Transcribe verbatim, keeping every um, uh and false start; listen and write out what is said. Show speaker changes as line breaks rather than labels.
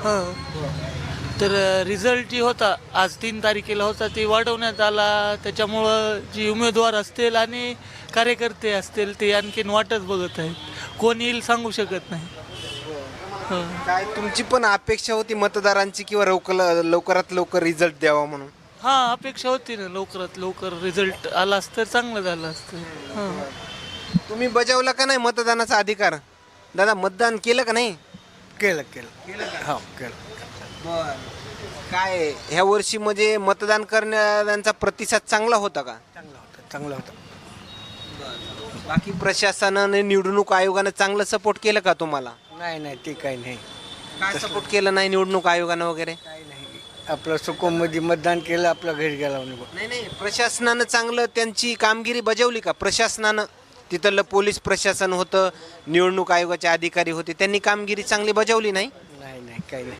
हां. तर रिझल्ट जी होता आज तीन तारखेला होता ती वाढवण्यात आला. त्याच्यामुळं जी उमेदवार असतील आणि कार्यकर्ते असतील ते आणखीन वाटच बघत आहेत. कोण येईल सांगू शकत नाही. हं.
काय तुमची पण अपेक्षा होती मतदारांची किंवा लवकर लवकरात लवकर रिझल्ट द्यावा म्हणून?
हां, अपेक्षा होती ना लवकरात लवकर रिझल्ट आला असतं तर चांगलं झालं असतं. हां.
तुम्ही बजावला का नाही मतदानाचा अधिकार? दादा मतदान केलं का नाही?
केलं केलं हो केलं.
काय ह्या वर्षी म्हणजे मतदान करणाऱ्यांचा प्रतिसाद चांगला होता का?
चांगलं होतं चांगलं होतं.
बाकी प्रशासनाने निवडणूक आयोगानं चांगलं सपोर्ट केलं का तुम्हाला?
नाही नाही ते काही नाही.
काय सपोर्ट केलं नाही निवडणूक आयोगानं वगैरे?
काही नाही. आपलं सुकोमध्ये मतदान केलं आपलं घरी गेला निघून.
नाही नाही प्रशासनानं चांगलं त्यांची कामगिरी बजावली का? प्रशासनानं तिथलं पोलीस प्रशासन होतं, निवडणूक आयोगाचे अधिकारी होते, त्यांनी कामगिरी चांगली बजावली नाही?
नाही नाही काही नाही.